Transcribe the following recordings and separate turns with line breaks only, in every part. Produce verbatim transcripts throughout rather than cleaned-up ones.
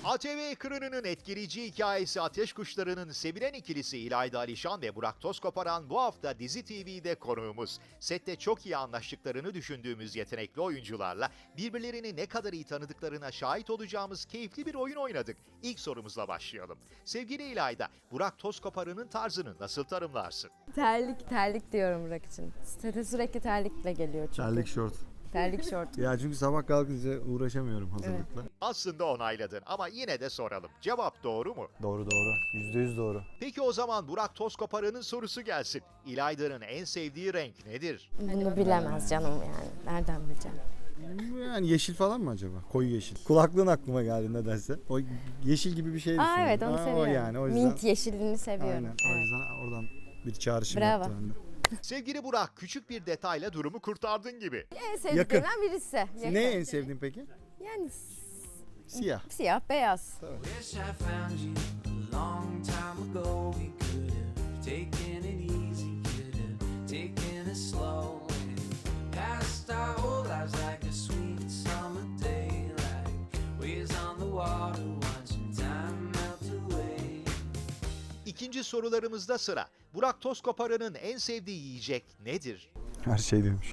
A T V ekranının etkileyici hikayesi Ateş Kuşları'nın sevilen ikilisi İlayda Alişan ve Burak Tozkoparan bu hafta Dizi T V'de konuğumuz. Sette çok iyi anlaştıklarını düşündüğümüz yetenekli oyuncularla birbirlerini ne kadar iyi tanıdıklarına şahit olacağımız keyifli bir oyun oynadık. İlk sorumuzla başlayalım. Sevgili İlayda, Burak Tozkoparan'ın tarzını nasıl tanımlarsın?
Terlik, terlik diyorum Burak için. Sete sürekli terlikle geliyor çünkü.
Terlik şort.
Terlik şort.
Ya çünkü sabah kalkınca uğraşamıyorum hazırlıkla.
Aslında onayladın ama yine de soralım. Cevap doğru mu?
Doğru doğru. Yüzde yüz doğru.
Peki o zaman Burak Tozkoparan'ın sorusu gelsin. İlayda'nın en sevdiği renk nedir?
Bunu bilemez canım yani. Nereden bileceğim?
Yani yeşil falan mı acaba? Koyu yeşil. Kulaklığın aklıma geldi nedense. O yeşil gibi bir şey
Aa
düşündüm.
evet onu
Aa,
seviyorum.
O yani o yüzden.
Mint yeşilliğini seviyorum.
Aynen. O
Evet.
yüzden oradan bir çağrışım
Bravo.
yaptı bende.
Sevgili Burak, küçük bir detayla durumu kurtardın gibi.
En sevdiklerinden birisi. Yakın.
Ne en sevdiğin peki?
Yani s-
Siyah.
siyah, beyaz.
Wish I found you a long time ago. We could have taken it easy, could have taken it slow, and passed our whole lives like a sweet summer day, like waves on the water, watching time melt away.
İkinci sorularımızda sıra. Burak Tozkoparan'ın en sevdiği yiyecek nedir?
Her şey demiş.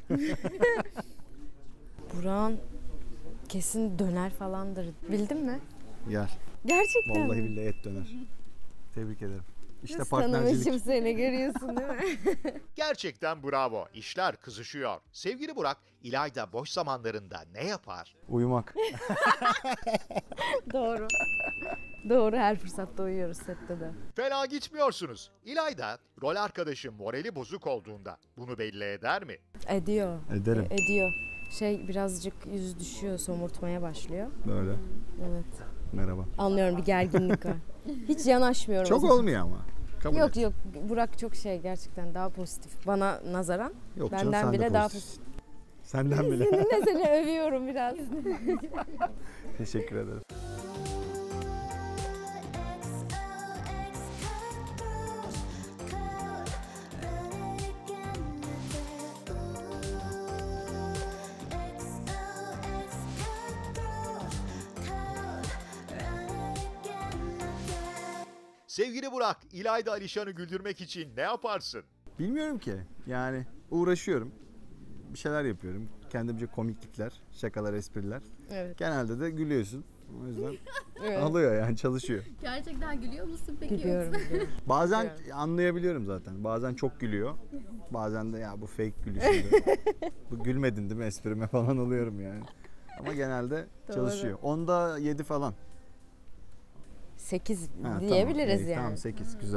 Burak'ın kesin döner falandır. Bildin mi?
Gel.
Gerçekten
Vallahi
mi?
billahi et döner. Tebrik ederim. İşte
Nasıl
partnercilik.
tanımışım seni görüyorsun değil mi?
Gerçekten bravo. İşler kızışıyor. Sevgili Burak, İlayda boş zamanlarında ne yapar?
Uyumak.
Doğru. Doğru, her fırsatta uyuyoruz sette de.
Fena gitmiyorsunuz. İlayda, rol arkadaşım morali bozuk olduğunda bunu belli eder mi?
Ediyor.
Ederim.
E- ediyor. Şey birazcık yüz düşüyor, somurtmaya başlıyor.
Böyle.
Evet.
Merhaba.
Anlıyorum, bir gerginlik var. Hiç yanaşmıyorum. o
Çok
zaman.
olmuyor ama. Kabul
Yok
et.
yok, Burak çok şey gerçekten daha pozitif. Bana nazaran
Yok canım,
benden
sen de
bile daha
pozitifsin.
pozitif.
Senden bile.
Seninle seni övüyorum biraz.
Teşekkür ederim.
Sevgili Burak, İlayda Alişan'ı güldürmek için ne yaparsın?
Bilmiyorum ki. Yani uğraşıyorum. Bir şeyler yapıyorum. Kendimce komiklikler, şakalar, espriler.
Evet.
Genelde de gülüyorsun. O yüzden
Evet.
alıyor yani, çalışıyor.
Gerçekten gülüyor musun peki?
Biliyorum. biliyorum.
Bazen
Biliyorum.
anlayabiliyorum zaten. Bazen çok gülüyor. Bazen de ya bu fake gülüşüydü. Bu gülmedin değil mi esprime falan oluyorum yani. Ama genelde
Doğru.
çalışıyor. Onda yedi falan.
Sekiz
Ha,
diyebiliriz
tamam, iyi,
yani.
Tamam sekiz güzel.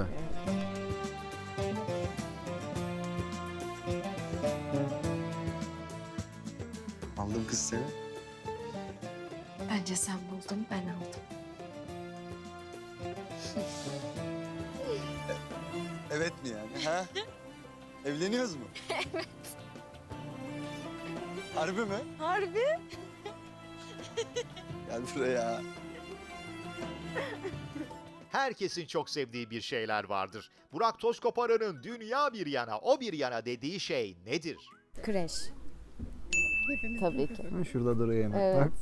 Aldım kız seni.
Bence sen buldun, ben aldım.
Evet mi yani? Ha? Evleniyoruz mu? Evet. Harbi mi?
Harbi?
Gel buraya.
Herkesin çok sevdiği bir şeyler vardır. Burak Tozkoparan'ın dünya bir yana, o bir yana dediği şey nedir?
Kreş. Tabii ki.
Ha, şurada duruyor hemen.
Evet.
Bak.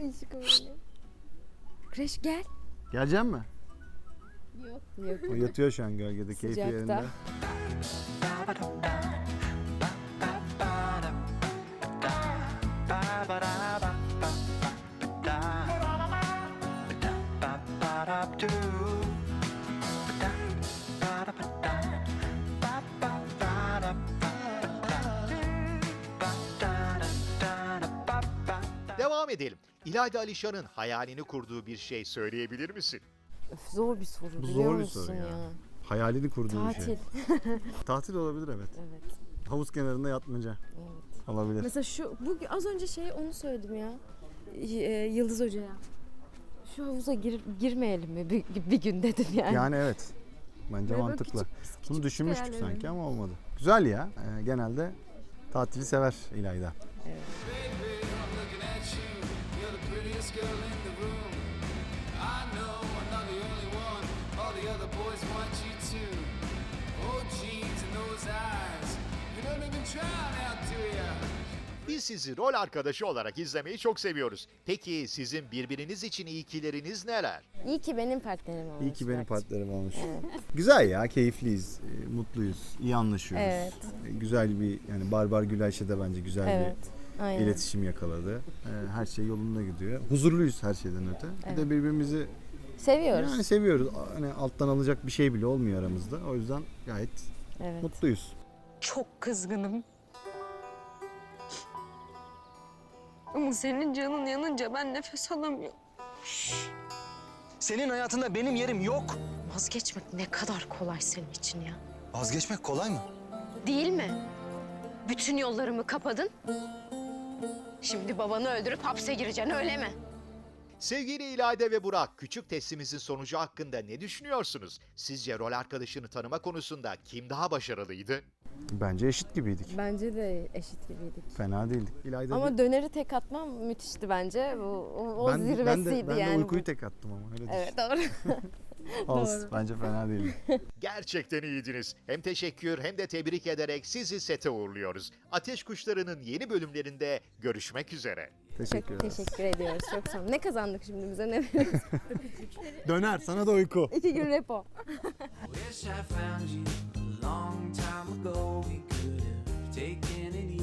Kreş gel.
Gelecek mi?
Yok.
O yatıyor şu an gölgede, keyfi
Sıcakta.
yerinde.
Devam edelim. İlayda Alişan'ın hayalini kurduğu bir şey söyleyebilir misin?
Öf, zor bir soru
Bu
biliyor
zor bir
musun
soru ya.
ya?
Hayalini kurduğu bir
Tatil.
şey. Tatil olabilir evet.
Evet.
Havuz kenarında yatmaca
Evet.
olabilir.
Mesela şu bu az önce şey onu söyledim ya. Y- e, Yıldız Hoca'ya. Şu havuza gir, girmeyelim mi bir, bir gün dedim yani.
Yani evet. Bence
Böyle
mantıklı.
küçük- küçük
Bunu düşünmüştük
hayallerim.
sanki ama olmadı. Güzel ya. Ee, genelde tatili sever İlayda.
Baby, I'm looking at you. You're the prettiest girl in the room. I know I'm not the only one. All the other boys want you too. Oh, jeans and those eyes. You don't even try now, do ya?
Biz sizi rol arkadaşı olarak izlemeyi çok seviyoruz. Peki sizin birbiriniz için iyikileriniz neler?
İyi ki benim partnerim olmuş.
İyi ki benim
Burak.
partnerim olmuş. Güzel ya, keyifliyiz, e, mutluyuz, iyi anlaşıyoruz.
Evet.
E, Güzel bir, yani Barbar Gülayşe de bence güzel
Evet.
bir
Aynen.
iletişim yakaladı. E, Her şey yolunda gidiyor. Huzurluyuz her şeyden öte. Bir de birbirimizi
Seviyoruz.
yani seviyoruz. Hani alttan alacak bir şey bile olmuyor aramızda. O yüzden gayet
Evet.
mutluyuz.
Çok kızgınım. Ama senin canın yanınca ben nefes alamıyorum.
Senin hayatında benim yerim yok.
Vazgeçmek ne kadar kolay senin için ya.
Vazgeçmek kolay mı?
Değil mi? Bütün yollarımı kapadın. Şimdi babanı öldürüp hapse gireceksin öyle mi?
Sevgili İlayda ve Burak, küçük testimizin sonucu hakkında ne düşünüyorsunuz? Sizce rol arkadaşını tanıma konusunda kim daha başarılıydı?
Bence eşit gibiydik.
Bence de eşit gibiydik.
Fena değildik. İlayda
Ama
bir-
döneri tek atmam müthişti bence. O, o, o
ben,
zirvesiydi
ben de, ben
yani.
de uykuyu
bu.
tek attım ama öyle
Evet doğru.
düşün. Olsun. Bence fena değildi.
Gerçekten iyiydiniz. Hem teşekkür hem de tebrik ederek sizi sete uğurluyoruz. Ateş Kuşları'nın yeni bölümlerinde görüşmek üzere.
Teşekkür
Çok
ederiz.
teşekkür ediyoruz. Çok sağ olun. Ne kazandık şimdi bize ne veriyoruz?
Döner, sana da uyku.
İki gün repo.
Wish I found you a long time ago. We could have taken it